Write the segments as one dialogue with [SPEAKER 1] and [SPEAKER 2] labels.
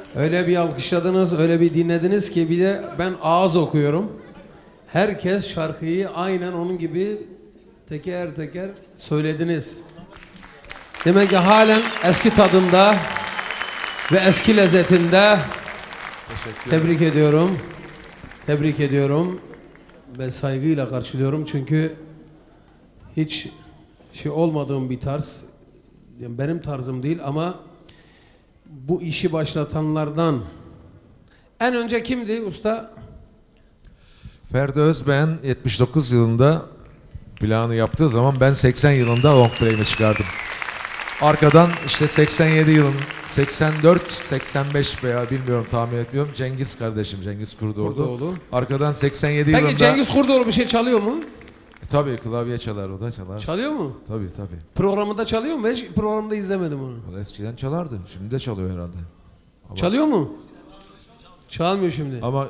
[SPEAKER 1] Öyle bir alkışladınız, öyle bir dinlediniz ki bir de ben ağız okuyorum. Herkes şarkıyı aynen onun gibi teker teker söylediniz. Demek ki halen eski tadında ve eski lezzetinde. Tebrik ediyorum. Tebrik ediyorum. Ve saygıyla karşılıyorum çünkü hiç olmadığım bir tarz. Yani benim tarzım değil ama bu işi başlatanlardan en önce kimdi usta?
[SPEAKER 2] Ferdi Özben 79 yılında planı yaptığı zaman ben 80 yılında long play'ini çıkardım. Arkadan işte 87 yılın 84, 85 veya bilmiyorum tahmin etmiyorum Cengiz kardeşim Cengiz Kurdoğlu. Arkadan 87
[SPEAKER 1] Peki
[SPEAKER 2] yılında...
[SPEAKER 1] Cengiz Kurdoğlu bir şey çalıyor mu?
[SPEAKER 2] Tabii klavye çalar, o da çalar.
[SPEAKER 1] Çalıyor mu?
[SPEAKER 2] Tabii.
[SPEAKER 1] Programında çalıyor mu? Hiç programda izlemedim onu.
[SPEAKER 2] O da eskiden çalardı. Şimdi de çalıyor herhalde.
[SPEAKER 1] Çalıyor mu? Çalmıyor şimdi.
[SPEAKER 2] Ama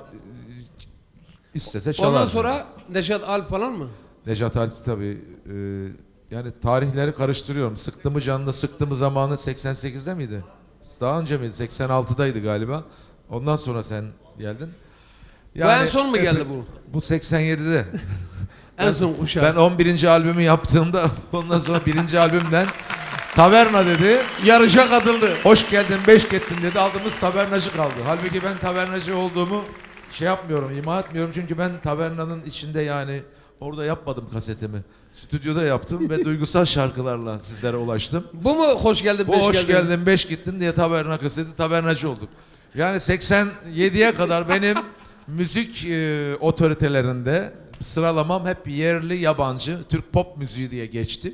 [SPEAKER 2] istese çalar.
[SPEAKER 1] Ondan sonra Neşet Alp falan mı?
[SPEAKER 2] Necat Alp tabii. Yani tarihleri karıştırıyorum. Sıktı mı canını, sıktı mı zamanı 88'de miydi? Daha önce miydi? 86'daydı galiba. Ondan sonra sen geldin.
[SPEAKER 1] Bu en son mu geldi bu?
[SPEAKER 2] Bu 87'de.
[SPEAKER 1] En son kuşak.
[SPEAKER 2] Ben 11. albümü yaptığımda ondan sonra 1. albümden Taverna dedi.
[SPEAKER 1] Yarışa katıldı.
[SPEAKER 2] Hoş geldin, beş gittin dedi. Aldığımız tavernacı kaldı. Halbuki ben tavernacı olduğumu yapmıyorum, ima etmiyorum. Çünkü ben tavernanın içinde yani orada yapmadım kasetimi. Stüdyoda yaptım ve duygusal şarkılarla sizlere ulaştım.
[SPEAKER 1] Bu mu hoş geldin
[SPEAKER 2] Bu
[SPEAKER 1] beş
[SPEAKER 2] hoş
[SPEAKER 1] geldin?
[SPEAKER 2] geldin, beş gittin diye taverna kaseti tavernacı olduk. Yani 87'ye kadar benim müzik otoritelerinde sıralamam hep yerli, yabancı, Türk pop müziği diye geçti.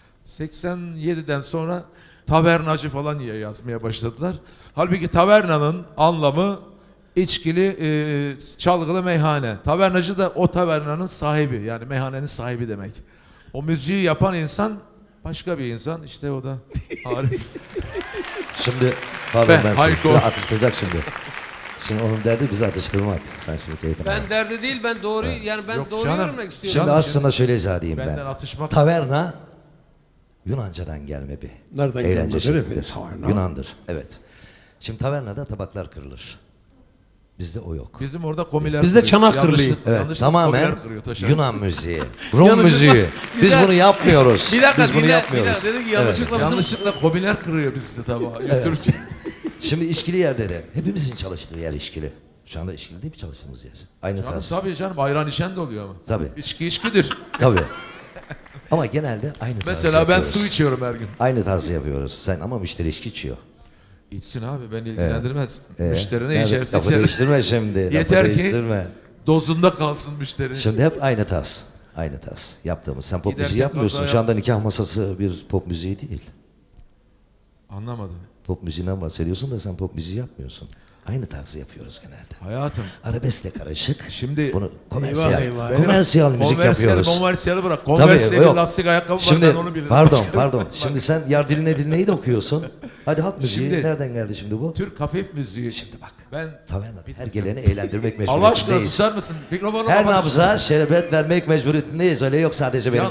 [SPEAKER 2] 87'den sonra tavernacı falan yazmaya başladılar. Halbuki tavernanın anlamı içkili, çalgılı meyhane. Tavernacı da o tavernanın sahibi, yani meyhanenin sahibi demek. O müziği yapan insan başka bir insan, işte o da Arif.
[SPEAKER 3] Şimdi pardon ben seni
[SPEAKER 2] Hayko.
[SPEAKER 3] biraz atıştıracak şimdi. Şimdi onun derdi bizi atıştırmak. Sen şunu keyfine bak.
[SPEAKER 1] Ben derdi değil ben doğru yani ben
[SPEAKER 2] Yok
[SPEAKER 1] doğru
[SPEAKER 2] canım.
[SPEAKER 1] yorumlamak istiyorum.
[SPEAKER 3] Şimdi
[SPEAKER 2] Canım,
[SPEAKER 3] aslında şöyle izah edeyim ben.
[SPEAKER 2] Benden atışmak.
[SPEAKER 3] Taverna Yunancadan gelme bir
[SPEAKER 1] Nereden
[SPEAKER 3] eğlence
[SPEAKER 1] gelme,
[SPEAKER 3] şeklidir.
[SPEAKER 1] değil mi? Taverna.
[SPEAKER 3] Yunandır. Evet. Şimdi tavernada tabaklar kırılır. Bizde o yok.
[SPEAKER 2] Bizim orada komiler
[SPEAKER 1] Bizde
[SPEAKER 2] kırıyor.
[SPEAKER 1] çanak kırılıyor.
[SPEAKER 2] Yanlışlıkla-
[SPEAKER 3] Evet,
[SPEAKER 2] yanlışlıkla
[SPEAKER 3] tamamen
[SPEAKER 2] komiler kırıyor, taşar.
[SPEAKER 3] Yunan müziği, Rum
[SPEAKER 1] Yanlışlıkla-
[SPEAKER 3] müziği. Biz
[SPEAKER 1] Güzel.
[SPEAKER 3] bunu yapmıyoruz.
[SPEAKER 1] Bir dakika
[SPEAKER 3] Biz bunu
[SPEAKER 1] bir
[SPEAKER 3] yapmıyoruz.
[SPEAKER 1] dakika dedi ki yanlışlıkla bizim...
[SPEAKER 2] Yanlışlıkla komiler kırıyor bizde tabağı. Götürürken.
[SPEAKER 3] Şimdi işkili yerde de hepimizin çalıştığı yer işkili. Şu anda işkili değil mi çalıştığımız yer? Aynı
[SPEAKER 2] Canım,
[SPEAKER 3] tarz.
[SPEAKER 2] tabii canım, ayran içen de oluyor ama.
[SPEAKER 3] Tabii.
[SPEAKER 2] İçki içkidir.
[SPEAKER 3] Tabii. Ama genelde aynı tarzı
[SPEAKER 2] Mesela ben
[SPEAKER 3] yapıyoruz.
[SPEAKER 2] su içiyorum her gün.
[SPEAKER 3] Aynı tarzı yapıyoruz. Sen ama müşteri içki içiyor.
[SPEAKER 2] İçsin abi, beni ilgilendirmez. Müşteri ne
[SPEAKER 3] Nerede?
[SPEAKER 2] içerse
[SPEAKER 3] Lafı
[SPEAKER 2] içer.
[SPEAKER 3] değiştirme şimdi. lafı
[SPEAKER 2] Yeter ki
[SPEAKER 3] değiştirme.
[SPEAKER 2] dozunda kalsın müşteri.
[SPEAKER 3] Şimdi hep aynı tarz. Aynı tarz yaptığımız. Sen pop
[SPEAKER 2] Giderken
[SPEAKER 3] müziği yapmıyorsun.
[SPEAKER 2] kaza
[SPEAKER 3] Şu anda nikah masası bir pop müziği değil.
[SPEAKER 2] Anlamadım.
[SPEAKER 3] Pop müziğinden bahsediyorsun da sen pop müziği yapmıyorsun. Aynı tarzı yapıyoruz genelde.
[SPEAKER 2] Hayatım.
[SPEAKER 3] Arabeskle karışık.
[SPEAKER 2] Şimdi-
[SPEAKER 3] bunu komersiyal,
[SPEAKER 1] Eyvah, eyvah.
[SPEAKER 3] komersiyal müzik yapıyoruz.
[SPEAKER 2] Konversiyeli bırak.
[SPEAKER 3] Tabii,
[SPEAKER 2] Konversiyeli
[SPEAKER 3] yok.
[SPEAKER 2] lastik ayakkabı var,
[SPEAKER 3] Şimdi
[SPEAKER 2] ben onu bilirim.
[SPEAKER 3] pardon. Şimdi sen yar diline de okuyorsun. Hadi halk müziği
[SPEAKER 2] Şimdi-
[SPEAKER 3] nereden geldi şimdi bu?
[SPEAKER 2] Türk hafif müziği.
[SPEAKER 3] Şimdi bak.
[SPEAKER 2] Ben
[SPEAKER 3] Tavernada her geleni eğlendirmek
[SPEAKER 2] Allah aşkına
[SPEAKER 3] mecburiyetindeyiz.
[SPEAKER 2] susar mısın? Mikrofonu
[SPEAKER 3] Her
[SPEAKER 2] kapat.
[SPEAKER 3] nabza şerbet vermek mecburiyetindeyiz. Öyle yok sadece benim.